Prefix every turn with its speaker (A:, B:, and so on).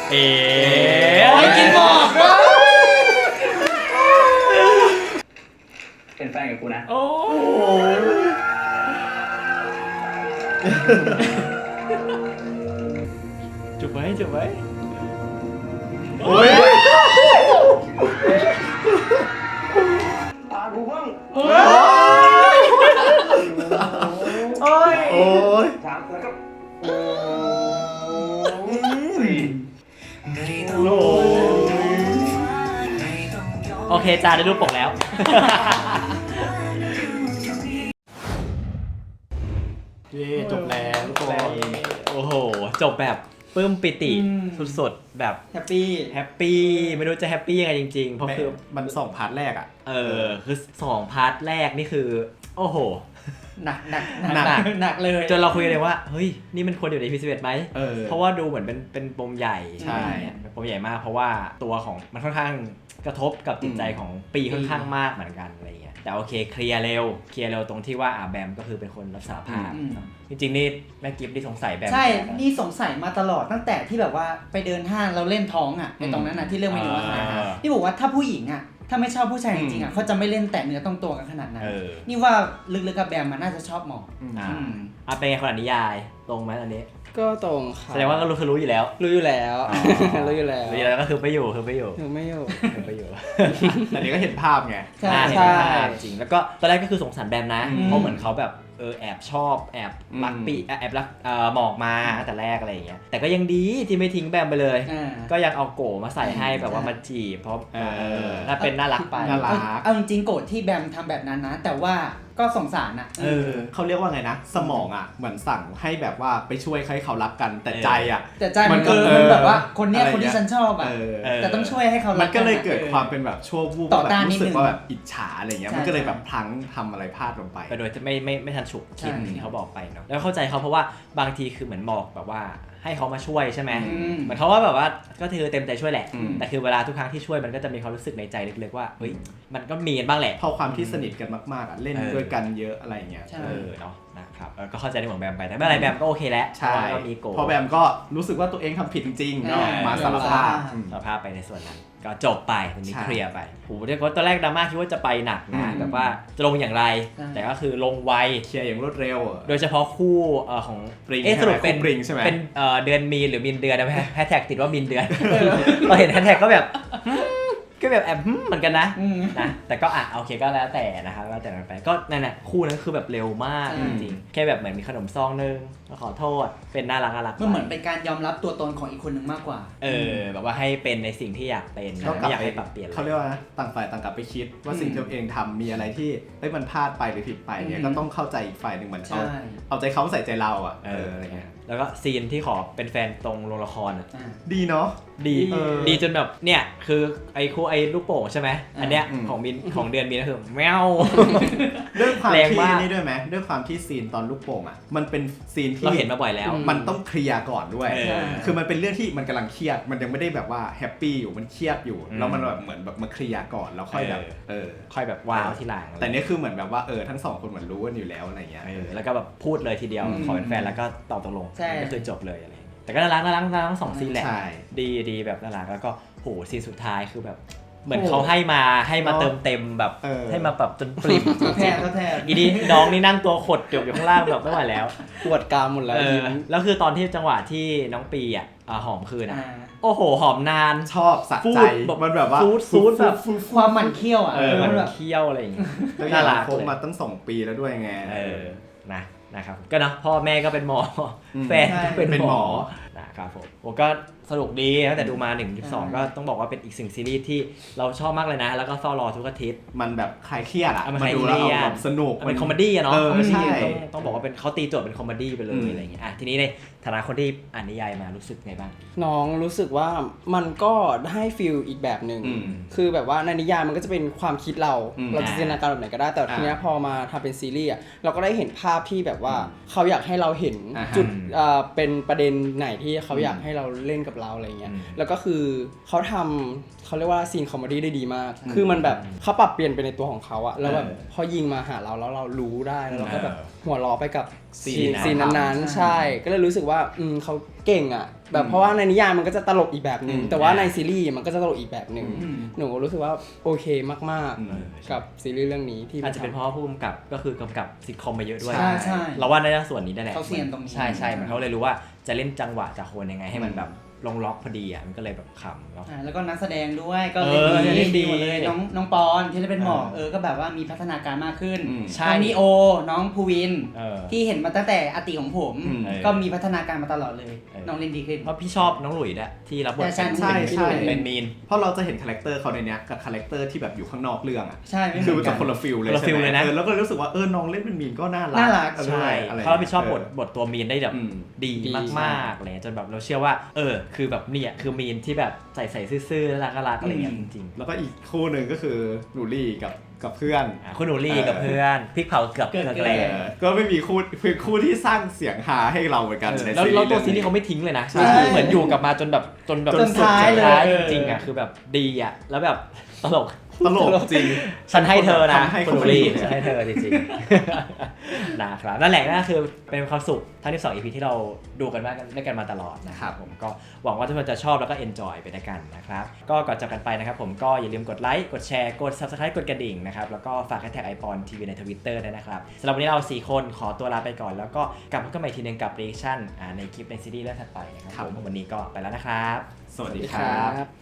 A: กินหมอก
B: เป็นแฟนกับกูนะ
A: โอ้จุบไว้
C: โอ้ย
B: ตากูเพิ่ง
C: โอ้ย
B: สามแล้วก็
A: โอเคจ้าได้รูปปกแล้ว
C: จบแล้วทุกคน
A: โอ้โหจบแบบปลื้มปิติสุดๆแบบ
D: แฮปปี้
A: ไม่รู้จะแฮปปี้ยังไงจริงๆเพราะคือ
C: มัน2 พาร์ทแรกอ่ะ
A: คือ2 พาร์ทแรกนี่คือโอ้โห
D: หนักเลย
A: จนเราคุยกันเลยว่าเฮ้ยนี่มันควรอยู่ใน EP 11ไหมเพราะว่าดูเหมือนเป็นปมใหญ่
C: ใช่
A: เป็นปมใหญ่มากเพราะว่าตัวของมันค่อนข้างกระทบกับจิตใจของปีค่อนข้างมากเหมือนกันอะไรเงี้ยแต่โอเคเคลียร์เร็วตรงที่ว่าแบมก็คือเป็นคนรับสารภาพจริงๆนี่แม่กิฟต์ที่สงสัยแบม
D: ใช่นี่สงสัยมาตลอดตั้งแต่ที่แบบว่าไปเดินห้างเราเล่นท้องอ่ะในตรงนั้นนะที่เรื่องเมนูอาหารที่บอกว่าถ้าผู้หญิงอ่ะถ้าไม่ชอบผู้ชายจริงๆอ่ะเขาจะไม่เล่นแตะเนื้อต้องตัวกันขนาดนั้นนี่ว่าลึกๆกับแบมมันน่าจะชอบหมอ
A: เป็นไงคนอ่านนิยายตรงไหมอันนี้
E: ก็ตรงค่ะ
A: แสดงว่าก็รู้อยู่แล้ว
E: รู้อยู่แล้ว
A: ก็คือไม่อยู่
C: แต่นี้ก็เห็นภาพไง
A: ใช่จริงแล้วก็ตอนแรกก็คือสงสารแบมนะเพราะเหมือนเขาแบบแอบชอบแอบรักปีแอบรักหมอกมาแต่แรกอะไรอย่างเงี้ยแต่ก็ยังดีที่ไม่ทิ้งแบมไปเลยก็ยังเอาโกมาใส่ให้แบบว่ามาจีบเพราะถ้าเป็นน่ารักไป
D: เอาจริงๆโกรธที่แบมทำแบบนั้นนะแต่ว่าก็สงสารอ่ะ
C: เขาเรียกว่าไงนะสมองอ่ะเหมือนสั่งให้แบบว่าไปช่วยให้เขารักกันแต่ใจอ่ะ
D: มันแบบว่าคนที่ฉันชอบอ่ะแต่ต้องช่วยให้เขารัก
C: มันก็เลยเกิดความเป็นแบบชั่ววูบแบบรู้สึกว่าแบบอิจฉาอะไรเงี้ยมันก็เลยแบบพลั้งทำอะไรพลาดลงไป
A: โดยจะไม่ทันฉุกคิดที่เขาบอกไปเนาะแล้วเข้าใจเขาเพราะว่าบางทีคือเหมือนบอกแบบว่าให้เขามาช่วยใช่ไหมเหมือนเขาว่าแบบว่าก็คือเต็มใจช่วยแหละแต่คือเวลาทุกครั้งที่ช่วยมันก็จะมีความรู้สึกในใจลึกๆว่าเฮ้ยมันก็มีกันบ้างแหละ
C: พอความที่สนิทกันมากๆอ่ะเล่นด้วยกันเยอะอะไรเงี้ย
A: เนาะนะครับก็เข้าใจในของแบมไปแต่ไม่อะไรแบมก็โอเคแล้ว
C: ใช่พอแบมก็รู้สึกว่าตัวเองทำผิดจริงๆเนาะมาสารภาพ
A: ไปในส่วนนั้นก็จบไปตรงนี้เคลียร์ไปโหเรียกว่าตอนแรกดราม่าคิดว่าจะไปหนักนะแบบว่าจะลงอย่างไรแต่ก็คือลงไว
C: เคลียร์อย่างรวดเร็ว
A: โดยเฉพาะคู่ของ
C: ปริง
A: สรุปเป็น
C: ปริงใช่ไหม
A: เป็นเดือนมีนหรือมินเดือนนะแฮชแท็กติดว่ามินเดือนเราเห็นแฮชแท็กก็แบบแอบเหมือนกันนะแต่ก็โอเคก็แล้วแต่นะครับแล้วแต่ไปก็นั่นแหละคู่นั้นคือแบบเร็วมากจริงๆแค่แบบเหมือนมีขนมซองนึงมาขอโทษเป็นน่ารัก
D: มันเหมือนเป็นการยอมรับตัวตนของอีกคนนึงมากกว่า
A: แบบว่าให้เป็นในสิ่งที่อยากเป็นไม่อยากให้ปรับเปลี่ยน
C: เขาเรียกว่าต่างฝ่ายต่างกลับไปคิดว่าสิ่งที่ตัวเองทำมีอะไรที่มันพลาดไปหรือผิดไปเนี่ยก็ต้องเข้าใจอีกฝ่ายหนึ่งเหมือนเอาใจเขาใส่ใจเราอะไรเงี้ย
A: แล้วก็ซีนที่ขอเป็นแฟนตรงโรงละคร
C: ดีเนาะ
A: ดีจนแบบเนี่ยคือไอ้คู่ไอ้ลูกโป่งใช่ไหมอันเนี้ยของเดือนมีนก็คือแมว
C: ด้วยความที่นี่ด้วยไหมด้วยความที่ซีนตอนลูกโป่งอ่ะมันเป็นซีนที่
A: เราเห็นมาบ่อยแล้ว
C: มันต้องเคลียร์ก่อนด้วยคือมันเป็นเรื่องที่มันกำลังเครียดมันยังไม่ได้แบบว่าแฮปปี้อยู่มันเครียดอยู่แล้วมันแบบเหมือนแบบมาเคลียร์ก่อนแล้วค่อยแบบ
A: ค่อยแบบว้าวทีหลัง
C: แต่นี่คือเหมือนแบบว่าทั้งสองคนเหมือนรู้กันอยู่แล้วอะไรเงี้ย
A: แล้วก็แบบพูดเลยทีเดียวขอเป็นแฟนแล้วก็ตอบตกลงก็คือจบเลยอะไรแต่ก็น่ารักทั้ง2ซีนแหละดีแบบน่ารักแล้วก็โหซีนสุดท้ายคือแบบเหมือนเขาให้มาเติมเต็มแบบให้มาแบบจนปริ่ม
D: แท้
A: อีนี่น้องนี่นั่งตัวขดอยู่ข้างล่างแบบไม่ไหวแล้ว
E: ปวดกรามหมดแล้ว
A: แล้วคือตอนที่จังหวะที่น้องปีหอมคืนโอ้โหหอมนาน
C: ชอบสะใจมันแบบว่า
A: ฟูดแบบ
D: ความหมั่นเคี้ยว
A: มันเคี้ยวอะไรอย่างเงี้ย
C: น่ารักคบมาตั้ง2 ปีแล้วด้วยไง
A: นะครับก็นะพ่อแม่ก็เป็นหมอแฟนก็เป็นหมอนะครับผมก็สนุกดีตั้งแต่ดูมา1-2ก็ต้องบอกว่าเป็นอีกสิ่งซีรีส์ที่เราชอบมากเลยนะแล้วก็เฝ้ารอทุกอาทิตย์
C: มันแบบคลายเครียด
A: มาดูแล้วแบบ
C: สนุก
A: เป็นคอมเมดี้เนาะต้องบอกว่าเป็นเขาตีโจทย์เป็นคอมเมดี้ไปเลยอะไรอย่างเงี้ยทีนี้ในฐานะคนที่อ่านนิยายมารู้สึกไงบ้าง
E: น้องรู้สึกว่ามันก็ให้ฟีลอีกแบบนึงคือแบบว่าในนิยายมันก็จะเป็นความคิดเราจะจินตนาการแบบไหนก็ได้แต่ทีนี้พอมาทำเป็นซีรีส์เราก็ได้เห็นภาพที่แบบว่าเขาอยากให้เราเห็นจุดเป็นประเด็นไหนที่เขาอยากให้เราเล่นกับเราอะไรเงี้ยแล้วก็คือเขาทำเขาเรียกว่าซีนคอมเมดี้ได้ดีมากคือมันแบบเขาปรับเปลี่ยนไปในตัวของเขาอะแล้วแบบพอยิงมาหาเราแล้วเรารู้ได้แล้วเราก็แบบหัวเราะไปกับซีนนั้นๆใช่ก็เลยรู้สึกว่าเขาเก่งอะแบบเพราะว่าในนิยายมันก็จะตลกอีกแบบนึงแต่ว่าในซีรีส์มันก็จะตลกอีกแบบนึงหนูรู้สึกว่าโอเคมากๆกับซีรีส์เรื่องนี้ที่
A: อาจจะเป็นเพราะว่าผู้กำกับก็คือกำกับซิทคอมมาเยอะด้วย
D: ใช่
A: เราว่าในส่วนนี้ได้แหละ
D: เขาเซียนตรงนี้
A: ใช่มันเขาเลยรู้ว่าจะเล่นจังหวะจากคนยังไงให้มันแบบลงล็อกพอดีอ่ะมันก็เลยแบบขำเนาะ
D: แล้วก็นักแสดงด้วยก็
A: เล่นดี
D: หมดเลยน้องปอนที่ได้เป็นหมอกก็แบบว่ามีพัฒนาการมากขึ้น
A: ใช่
D: น้องนีโอน้องภูวิน ที่เห็นมาตั้งแต่อติของผม ก็มีพัฒนาการมาตลอดเลยน้องเล่นดีขึ้น
A: เพราะพี่ชอบน้องหลุยส์ด้วยที่รับบท
D: ใช่
A: เป็นมีน
C: เพราะเราจะเห็นคาแรคเตอร์เขาในเนี้ยกับคาแรคเตอร์ที่แบบอยู่ข้างนอกเรื่องอ่ะ
D: ใช่ไม่เห
C: คื
D: มื
C: อ
D: อน
C: จะ
D: กัน
C: คนละฟิลเลย
A: คนละฟิลเลยนะ
C: แล้วก็รู้สึกว่าน้องเล่นเป็นมีนก็น่ารั
D: น่ารัก
A: ใช่
C: อะไร
A: เขารับผิดชอบบทตัวมีนได้แบบดี
E: ดี
A: มากๆเลยจนแบบเราเชื่อว่าคือแบบเนี่ยคือมีนที่แบบใส่ซื่อๆน่ารักอะไรอย่างเงี้ยจริงๆ
C: แล้วก็อีกคู่หนึ่งก็คือหนูลี่กับเพื่อน
A: คุณหนูลี่กับเพื่อนพริกเผาเกือบแกล
C: ก็ไม่มีคู่เป็นคู่ที่สร้างเสียงฮาให้เราเหมือนกันใน
A: แล้ว
C: ซีรีส์
A: ตัวซีรีส์เขาไม่ทิ้งเลยนะ
D: ใช่
A: เหมือนอยู่กับมาจนสุด
D: จนท้ายเลย
A: จริงๆอ่ะคือแบบดีอ่ะแล้วแบบตลก
C: ตลกจริง
A: ฉันให้เธอนะ
C: ทำให้
A: คุณหนูลี่ฉันให้เธอจริงๆ นะครับนั่นแหละนั่นคือเป็นความสุขทั้งที่2 EP ที่เราดูกันมาด้วยกันมาตลอดนะครับผมก็หวังว่าทุกคนจะชอบแล้วก็ enjoy ไปด้วยกันนะครับก็ก่อนจากกันไปนะครับผมก็อย่าลืมกดไลค์กดแชร์กด subscribe กดกระดิ่งนะครับแล้วก็ฝากแท็ก iPon TV ใน Twitter ด้วยนะครับสำหรับวันนี้เรา4คนขอตัวลาไปก่อนแล้วก็กลับมาพบกันใหม่ทีนึงกับ reaction ในคลิปในซีรีส์เรื่องถัดไปนะครับผมวันนี้ก็ไปแล้วนะครับ
C: สวัสดี
E: ดี
C: ค
E: ค
C: รั
E: รับ บ